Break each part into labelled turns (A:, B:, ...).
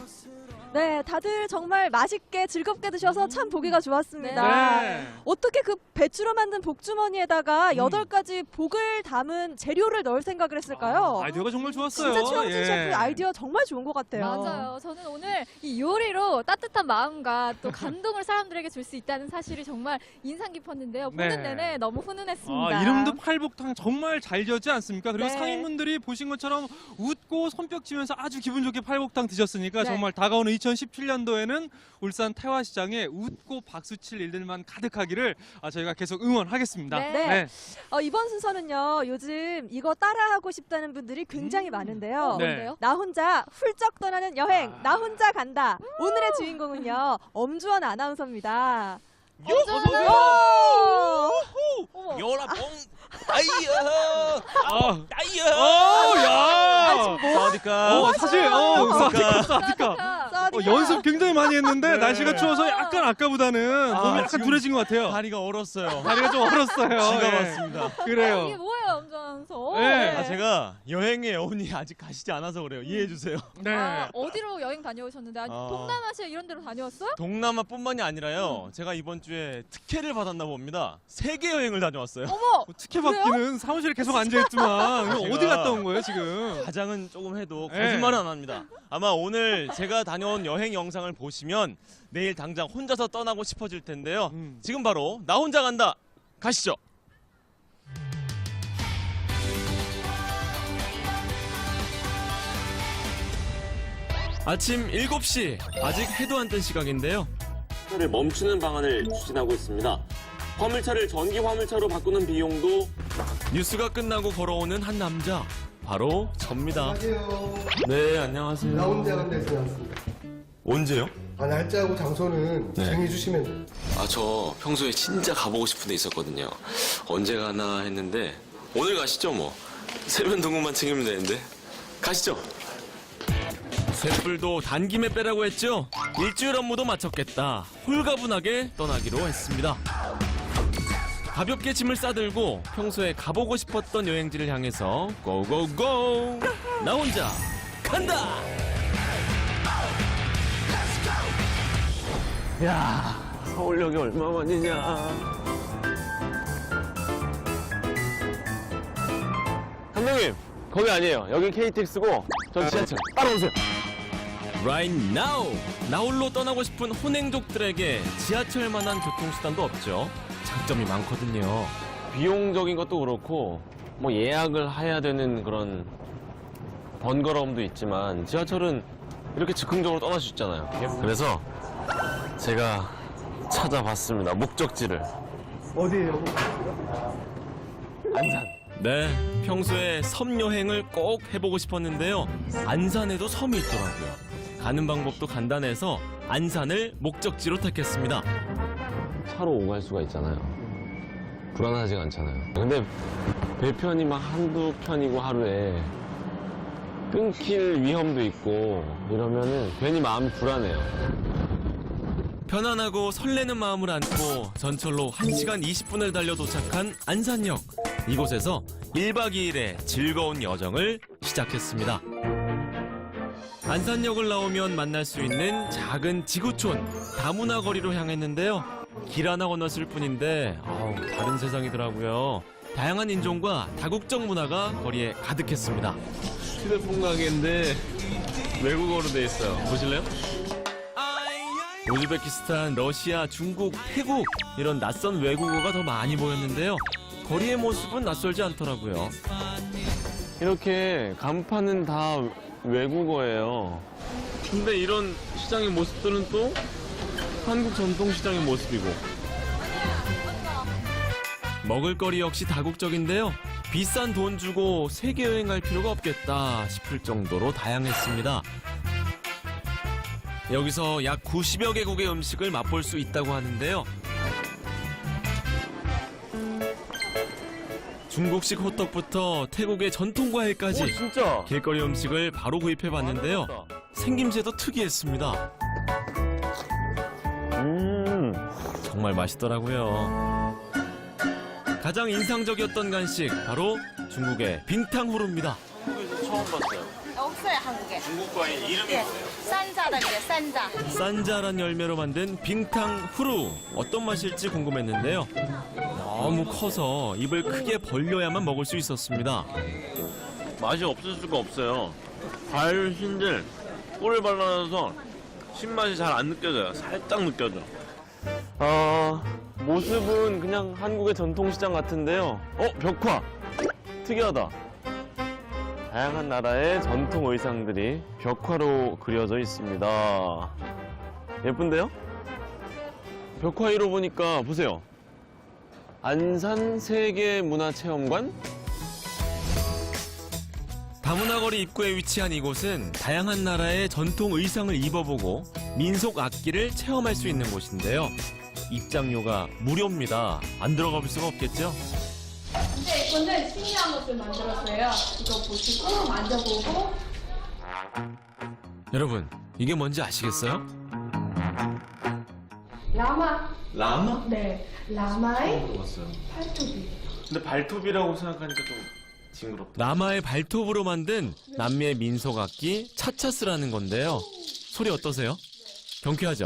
A: 네, 다들 정말 맛있게 즐겁게 드셔서 참 보기가 좋았습니다.
B: 네.
A: 어떻게 그 배추로 만든 복주머니에다가 8가지 복을 담은 재료를 넣을 생각을 했을까요?
B: 아이디어가 정말 좋았어요.
A: 진짜 최영진
B: 예.
A: 셰프 아이디어 정말 좋은 것 같아요.
C: 맞아요. 저는 오늘 이 요리로 따뜻한 마음과 또 감동을 사람들에게 줄 수 있다는 사실이 정말 인상 깊었는데요. 보는
B: 네.
C: 내내 너무 훈훈했습니다.
B: 이름도 팔복탕 정말 잘 지었지 않습니까? 그리고
A: 네.
B: 상인분들이 보신 것처럼 웃고 손뼉 치면서 아주 기분 좋게 팔복탕 드셨으니까
A: 네.
B: 정말 다가오는 2017년도에는 울산 태화시장에 웃고 박수칠 일들만 가득하기를 저희가 계속 응원하겠습니다.
A: 네. 이번 순서는요, 요즘 이거 따라하고 싶다는 분들이 굉장히 많은데요.
B: 네.
C: 뭔데요?
A: 나 혼자 훌쩍 떠나는 여행, 나 혼자 간다. 오늘의 주인공은요, 엄주원 아나운서입니다.
C: 어쩌면 어머.
D: 요라봉 아이야
B: 아,
D: 아이야
B: 야!
D: 사와디카
B: 사실 사디카.
C: 따뜻한.
B: 연습 굉장히 많이 했는데
D: 네.
B: 날씨가 추워서 약간 아까보다는 몸이 약간
D: 지금
B: 둔해진 것 같아요.
D: 다리가 얼었어요.
B: 다리가 좀 얼었어요.
D: 지가
B: 예.
D: 왔습니다.
C: 이게
B: 그래요.
C: 뭐예요, 엄전서?
B: 네.
D: 제가 여행의 여운이 아직 가시지 않아서 그래요. 이해해 주세요.
B: 네.
C: 어디로 여행 다녀오셨는데? 아니, 동남아시아 이런 데로 다녀왔어요?
D: 동남아뿐만이 아니라요. 제가 이번 주에 특혜를 받았나 봅니다. 세계 여행을 다녀왔어요.
C: 어머!
B: 특혜 받기는 사무실에 계속 앉아있지만 이거
D: 제가
B: 어디 갔다 온 거예요 지금?
D: 가장은 조금 해도
B: 네.
D: 거짓말은 안 합니다. 아마 오늘 제가 다녀온 여행 영상을 보시면 내일 당장 혼자서 떠나고 싶어질 텐데요. 지금 바로 나 혼자 간다. 가시죠. 아침 7시. 아직 해도 안 뜬 시각인데요.
E: 를 멈추는 방안을 추진하고 있습니다. 화물차를 전기 화물차로 바꾸는 비용도
D: 뉴스가 끝나고 걸어오는 한 남자. 바로 접니다.
F: 안녕하세요.
D: 네, 안녕하세요.
F: 나 혼자 간다에서 나왔습니다.
D: 언제요?
F: 날짜하고 장소는
D: 네.
F: 정해주시면 돼요.
E: 저 평소에 진짜 가보고 싶은 데 있었거든요. 언제 가나 했는데 오늘 가시죠 뭐. 세면동굴만 챙기면 되는데 가시죠.
D: 쇳불도 단김에 빼라고 했죠? 일주일 업무도 마쳤겠다. 홀가분하게 떠나기로 했습니다. 가볍게 짐을 싸들고 평소에 가보고 싶었던 여행지를 향해서 고고고! 나 혼자 간다! 야, 서울역이 얼마만이냐. 감독님, 거기 아니에요. 여기 KTX고 전 지하철. 따라오세요. Right now! 나홀로 떠나고 싶은 혼행족들에게 지하철만한 교통수단도 없죠. 장점이 많거든요. 비용적인 것도 그렇고 뭐 예약을 해야 되는 그런 번거로움도 있지만 지하철은 이렇게 즉흥적으로 떠날 수 있잖아요. 그래서 제가 찾아봤습니다. 목적지를.
F: 어디예요?
D: 안산. 네, 평소에 섬 여행을 꼭 해보고 싶었는데요. 안산에도 섬이 있더라고요. 가는 방법도 간단해서 안산을 목적지로 택했습니다. 차로 오갈 수가 있잖아요. 불안하지가 않잖아요. 근데 배편이 막 한두 편이고 하루에 끊길 위험도 있고 이러면은 괜히 마음이 불안해요. 편안하고 설레는 마음을 안고 전철로 1시간 20분을 달려 도착한 안산역. 이곳에서 1박 2일의 즐거운 여정을 시작했습니다. 안산역을 나오면 만날 수 있는 작은 지구촌 다문화 거리로 향했는데요. 길 하나 건넜을 뿐인데 다른 세상이더라고요. 다양한 인종과 다국적 문화가 거리에 가득했습니다. 휴대폰 가게인데 외국어로 돼 있어요. 보실래요? 우즈베키스탄, 러시아, 중국, 태국 이런 낯선 외국어가 더 많이 보였는데요. 거리의 모습은 낯설지 않더라고요. 이렇게 간판은 다 외국어예요. 근데 이런 시장의 모습들은 또 한국 전통시장의 모습이고. 먹을거리 역시 다국적인데요. 비싼 돈 주고 세계 여행 갈 필요가 없겠다 싶을 정도로 다양했습니다. 여기서 약 90여 개국의 음식을 맛볼 수 있다고 하는데요. 중국식 호떡부터 태국의 전통 과일까지 진짜? 길거리 음식을 바로 구입해봤는데요. 생김새도 특이했습니다. 정말 맛있더라고요. 가장 인상적이었던 간식 바로 중국의 빙탕후루입니다. 한국에서 처음 봤어요.
G: 없어요, 한국에.
E: 중국 과일 이름이
G: 예,
E: 뭐예요?
G: 산자라는 게 산자.
D: 산자란 열매로 만든 빙탕 후루 어떤 맛일지 궁금했는데요. 너무 커서 입을 크게 벌려야만 먹을 수 있었습니다.
E: 맛이 없을 수가 없어요. 과일 흰들 꿀을 발라놔서 신맛이 잘 안 느껴져요. 살짝 느껴져. 모습은 그냥 한국의 전통시장 같은데요. 벽화! 특이하다. 다양한 나라의 전통 의상들이 벽화로 그려져 있습니다. 예쁜데요? 벽화 1호 보니까 보세요. 안산 세계문화체험관?
D: 다문화거리 입구에 위치한 이곳은 다양한 나라의 전통 의상을 입어보고 민속 악기를 체험할 수 있는 곳인데요. 입장료가 무료입니다. 안 들어가 볼 수가 없겠죠?
H: 네, 이거는 신기한 것을 만들었어요. 이거 보시고 만져보고.
D: 여러분, 이게 뭔지 아시겠어요?
H: 라마.
E: 라마?
H: 네, 라마의
E: 들어봤어요.
H: 팔뚝이.
E: 근데 발톱이라고 생각하니까 좀 징그럽다.
D: 라마의 발톱으로 만든 남미의 민속 악기 차차스라는 건데요. 소리 어떠세요? 경쾌하죠?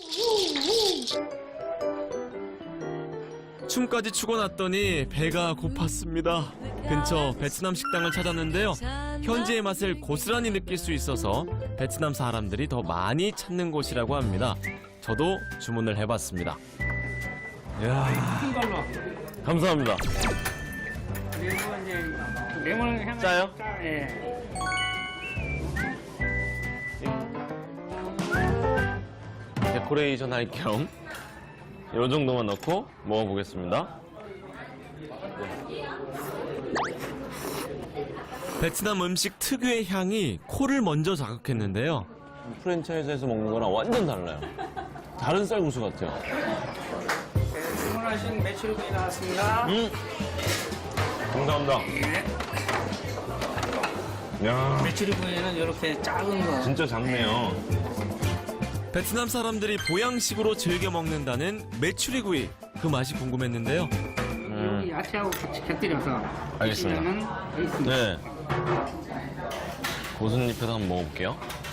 D: 춤까지 추고 났더니 배가 고팠습니다. 근처 베트남 식당을 찾았는데요. 현지의 맛을 고스란히 느낄 수 있어서 베트남 사람들이 더 많이 찾는 곳이라고 합니다. 저도 주문을 해봤습니다. 이야,
E: 감사합니다.
I: 그리고 이제 레몬 향
E: 짜요?
I: 예.
E: 데코레이션 할 겸 이 정도만 넣고 먹어보겠습니다.
D: 베트남 음식 특유의 향이 코를 먼저 자극했는데요.
E: 프랜차이즈에서 먹는 거랑 완전 달라요. 다른 쌀국수 같아요.
I: 주문하신 메추리구이 나왔습니다.
E: 감사합니다. 야,
I: 메추리구이는 이렇게 작은 거.
E: 진짜 작네요.
D: 베트남 사람들이 보양식으로 즐겨 먹는다는 메추리구이. 그 맛이 궁금했는데요.
I: 여기 야채하고 같이 곁들여서
E: 알겠습니다.
I: 드시면은 있습니다.
E: 네. 고순잎에서 한번 먹어볼게요.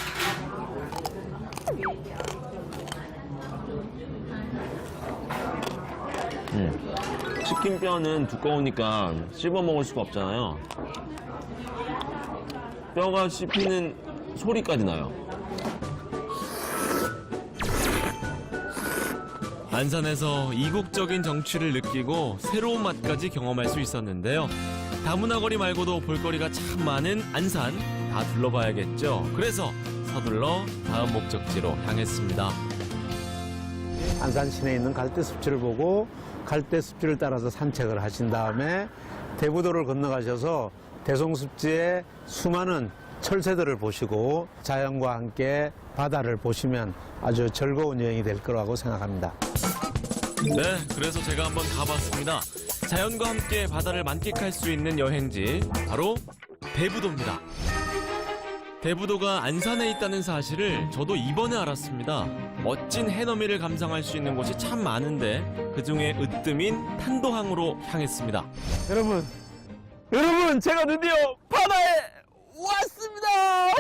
E: 치킨 뼈는 두꺼우니까 씹어 먹을 수가 없잖아요. 뼈가 씹히는 소리까지 나요.
D: 안산에서 이국적인 정취를 느끼고 새로운 맛까지 경험할 수 있었는데요. 다문화거리 말고도 볼거리가 참 많은 안산 다 둘러봐야겠죠. 그래서 서둘러 다음 목적지로 향했습니다.
J: 안산 시내에 있는 갈대 습지를 보고 갈대 습지를 따라서 산책을 하신 다음에 대부도를 건너가셔서 대송습지의 수많은 철새들을 보시고 자연과 함께 바다를 보시면 아주 즐거운 여행이 될 거라고 생각합니다.
D: 네, 그래서 제가 한번 가봤습니다. 자연과 함께 바다를 만끽할 수 있는 여행지 바로 대부도입니다. 대부도가 안산에 있다는 사실을 저도 이번에 알았습니다. 멋진 해넘이를 감상할 수 있는 곳이 참 많은데 그중에 으뜸인 탄도항으로 향했습니다.
E: 여러분, 제가 드디어 바다에 왔습니다!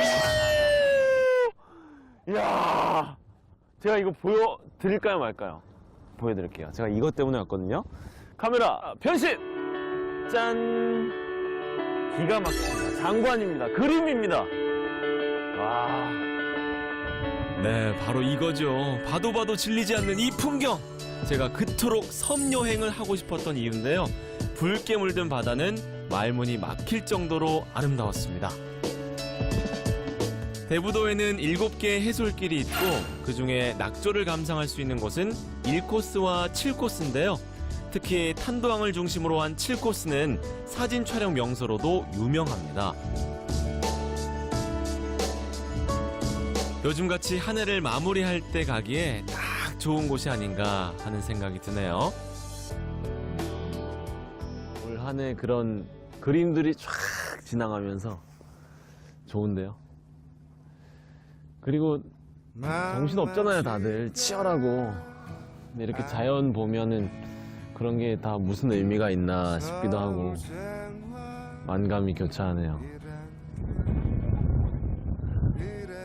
E: 이야, 제가 이거 보여드릴까요, 말까요? 보여드릴게요. 제가 이것 때문에 왔거든요. 카메라 변신! 짠! 기가 막힙니다. 장관입니다. 그림입니다. 와.
D: 네, 바로 이거죠. 봐도 봐도 질리지 않는 이 풍경. 제가 그토록 섬 여행을 하고 싶었던 이유인데요. 붉게 물든 바다는 말문이 막힐 정도로 아름다웠습니다. 대부도에는 7개의 해솔길이 있고 그중에 낙조를 감상할 수 있는 곳은 1코스와 7코스인데요. 특히 탄도항을 중심으로 한 7코스는 사진 촬영 명소로도 유명합니다. 요즘같이 한 해를 마무리할 때 가기에 딱 좋은 곳이 아닌가 하는 생각이 드네요.
E: 올 한 해 그런 그림들이 쫙 지나가면서 좋은데요. 그리고 정신 없잖아요, 다들. 치열하고. 근데 이렇게 자연 보면은 그런 게 다 무슨 의미가 있나 싶기도 하고 만감이 교차하네요.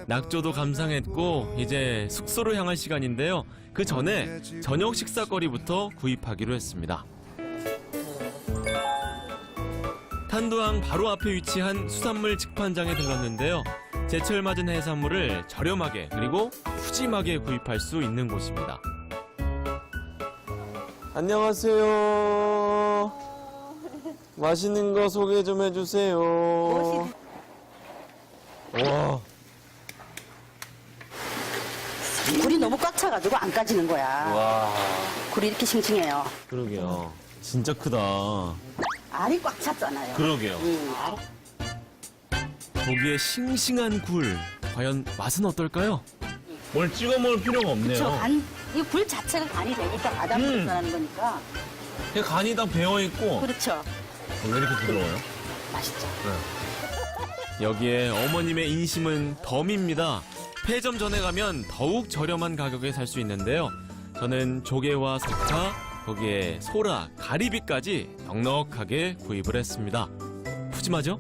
D: 낙조도 감상했고 이제 숙소로 향할 시간인데요. 그 전에 저녁 식사거리부터 구입하기로 했습니다. 탄도항 바로 앞에 위치한 수산물 직판장에 들렀는데요. 제철 맞은 해산물을 저렴하게 그리고 푸짐하게 구입할 수 있는 곳입니다.
E: 안녕하세요. 맛있는 거 소개 좀 해주세요. 와,
G: 굴이 너무 꽉 차가지고 안 까지는 거야.
E: 와,
G: 굴이 이렇게 싱싱해요.
D: 그러게요. 진짜 크다.
G: 알이 꽉 찼잖아요.
D: 그러게요. 고기에 싱싱한 굴. 과연 맛은 어떨까요? 뭘 찍어 먹을 필요가 없네요.
G: 이 굴 자체가 간이 되니까 바닷물을 전하는 거니까.
D: 간이 다 배어 있고
G: 그렇죠.
D: 왜 이렇게 부드러워요?
G: 맛있죠.
D: 여기에 어머님의 인심은 덤입니다. 폐점 전에 가면 더욱 저렴한 가격에 살 수 있는데요. 저는 조개와 석화, 거기에 소라, 가리비까지 넉넉하게 구입을 했습니다. 푸짐하죠?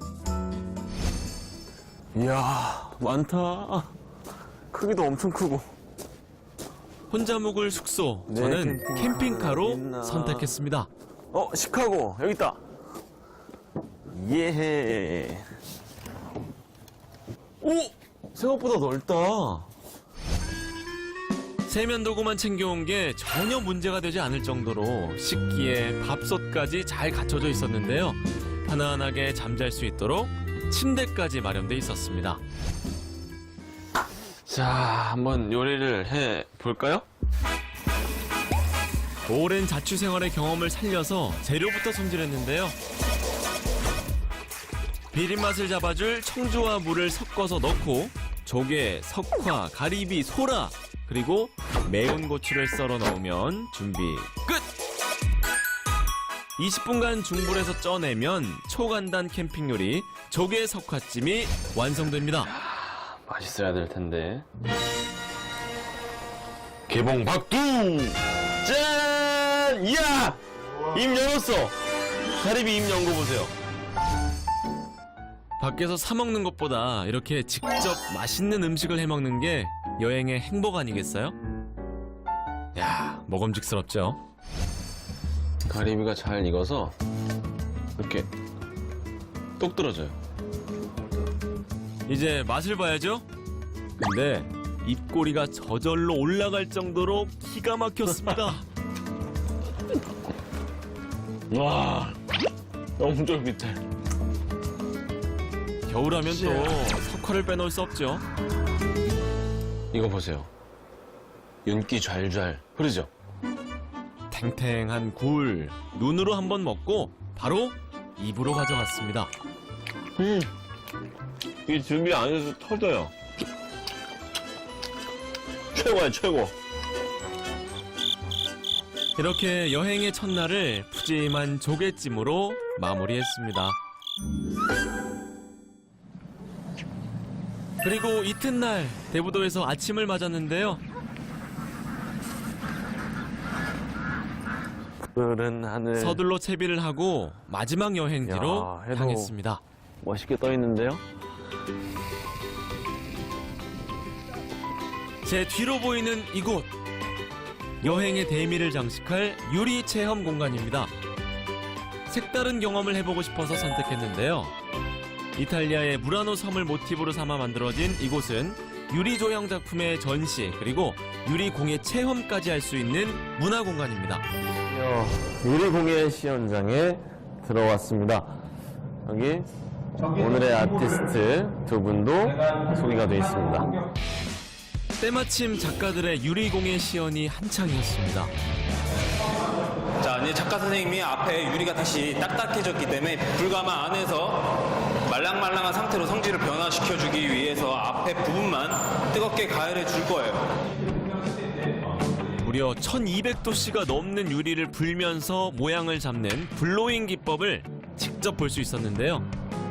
E: 이야, 많다. 크기도 엄청 크고.
D: 혼자 묵을 숙소, 저는 캠핑카로 선택했습니다.
E: 시카고 여기 있다. 예. 오, 생각보다 넓다.
D: 세면도구만 챙겨온 게 전혀 문제가 되지 않을 정도로 식기에 밥솥까지 잘 갖춰져 있었는데요. 편안하게 잠잘 수 있도록 침대까지 마련돼 있었습니다.
E: 자, 한번 요리를 해 볼까요?
D: 오랜 자취생활의 경험을 살려서 재료부터 손질했는데요. 비린맛을 잡아줄 청주와 물을 섞어서 넣고 조개, 석화, 가리비, 소라 그리고 매운 고추를 썰어 넣으면 준비 끝! 20분간 중불에서 쪄내면 초간단 캠핑 요리 조개 석화찜이 완성됩니다.
E: 맛있어야 될 텐데. 개봉 박두! 짠! 이야! 입 열었어! 가리비 입 연 거 보세요.
D: 밖에서 사 먹는 것보다 이렇게 직접 맛있는 음식을 해 먹는 게 여행의 행복 아니겠어요? 야, 먹음직스럽죠?
E: 가리비가 잘 익어서 이렇게 똑 떨어져요.
D: 이제 맛을 봐야죠? 근데 입꼬리가 저절로 올라갈 정도로 기가 막혔습니다.
E: 와, 너무 쫄깃해.
D: 겨울하면 또 석화를 빼놓을 수 없죠.
E: 이거 보세요. 윤기 잘잘 흐르죠?
D: 탱탱한 굴 눈으로 한번 먹고 바로 입으로 가져갔습니다.
E: 이 준비 안 해서 터져요. 최고야, 최고.
D: 이렇게 여행의 첫날을 푸짐한 조개찜으로 마무리했습니다. 그리고 이튿날 대부도에서 아침을 맞았는데요.
E: 푸른 하늘.
D: 서둘러 채비를 하고 마지막 여행지로
E: 야, 해도
D: 향했습니다.
E: 멋있게 떠 있는데요.
D: 제 뒤로 보이는 이곳 여행의 대미를 장식할 유리 체험 공간입니다. 색다른 경험을 해보고 싶어서 선택했는데요. 이탈리아의 무라노 섬을 모티브로 삼아 만들어진 이곳은 유리 조형 작품의 전시 그리고 유리 공예 체험까지 할 수 있는 문화 공간입니다.
E: 유리공예 시연장에 들어왔습니다. 여기 오늘의 아티스트 두 분도 소개가 되어 있습니다.
D: 때마침 작가들의 유리 공예 시연이 한창이었습니다.
K: 자, 이제 작가 선생님이 앞에 유리가 다시 딱딱해졌기 때문에 불가마 안에서 말랑말랑한 상태로 성질을 변화시켜주기 위해서 앞에 부분만 뜨겁게 가열해 줄 거예요.
D: 무려 1200도씨가 넘는 유리를 불면서 모양을 잡는 블로잉 기법을 직접 볼 수 있었는데요.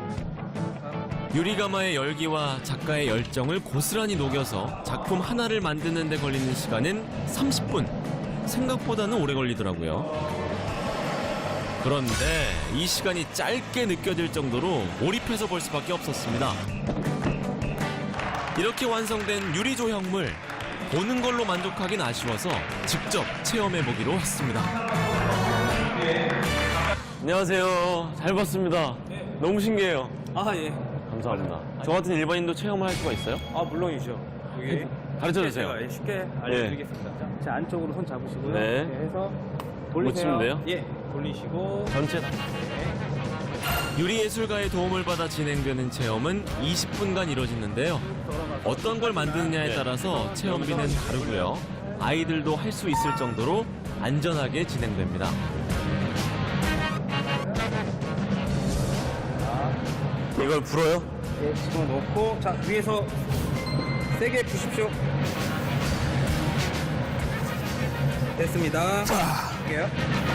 D: 유리가마의 열기와 작가의 열정을 고스란히 녹여서 작품 하나를 만드는 데 걸리는 시간은 30분. 생각보다는 오래 걸리더라고요. 그런데 이 시간이 짧게 느껴질 정도로 몰입해서 볼 수밖에 없었습니다. 이렇게 완성된 유리 조형물 보는 걸로 만족하긴 아쉬워서 직접 체험해 보기로 했습니다. 안녕하세요. 잘 봤습니다. 너무 신기해요.
K: 아, 예.
D: 감사합니다. 저 같은 일반인도 체험을 할 수가 있어요?
K: 아, 물론이죠. 여기
D: 가르쳐 주세요.
K: 제가 쉽게 알려드리겠습니다. 자, 안쪽으로 손 잡으시고요.
D: 네.
K: 이렇게 해서 돌리세요.
D: 못 치면 돼요?
K: 예, 돌리시고.
D: 전체 다. 유리예술가의 도움을 받아 진행되는 체험은 20분간 이뤄지는데요. 어떤 걸 만드느냐에 따라서 체험비는 다르고요. 아이들도 할 수 있을 정도로 안전하게 진행됩니다.
K: 이걸 불어요? 예, 지금 놓고 자, 위에서 세게 부십시오. 됐습니다. 자, 할게요.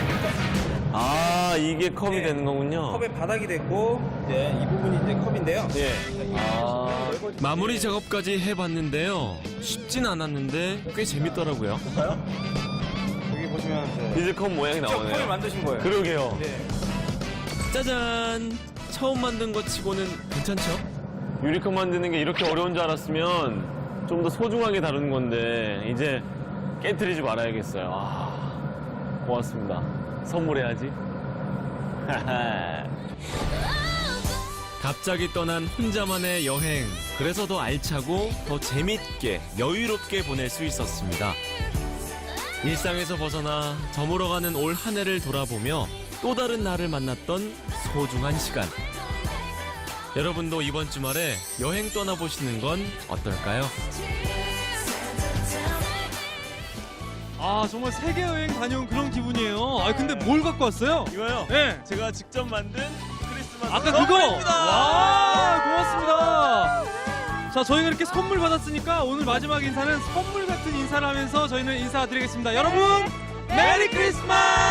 D: 아, 이게 컵이
K: 네.
D: 되는 거군요.
K: 컵의 바닥이 됐고 이제 이 부분이 이제 컵인데요.
D: 예. 아, 마무리 작업까지 해봤는데요. 쉽진 않았는데 꽤 재밌더라고요.
K: 여기 보시면
D: 이제 컵 모양이
K: 컵을
D: 나오네요.
K: 만드신 거예요.
D: 그러게요.
K: 네.
D: 짜잔! 처음 만든 것 치고는 괜찮죠? 유리컵 만드는 게 이렇게 어려운 줄 알았으면 좀 더 소중하게 다루는 건데 이제 깨트리지 말아야겠어요. 아, 고맙습니다. 선물해야지. 갑자기 떠난 혼자만의 여행. 그래서 더 알차고 더 재밌게 여유롭게 보낼 수 있었습니다. 일상에서 벗어나 저물어가는 올 한 해를 돌아보며 또 다른 나를 만났던 소중한 시간. 여러분도 이번 주말에 여행 떠나보시는 건 어떨까요?
B: 아 정말 세계 여행 다녀온 그런 기분이에요. 아 근데 뭘 갖고 왔어요?
D: 이거요?
B: 네.
D: 제가 직접 만든 크리스마스
B: 아까 그거. 와 고맙습니다. 자 저희가 이렇게 선물 받았으니까 오늘 마지막 인사는 선물 같은 인사를 하면서 저희는 인사드리겠습니다. 여러분 메리 크리스마스!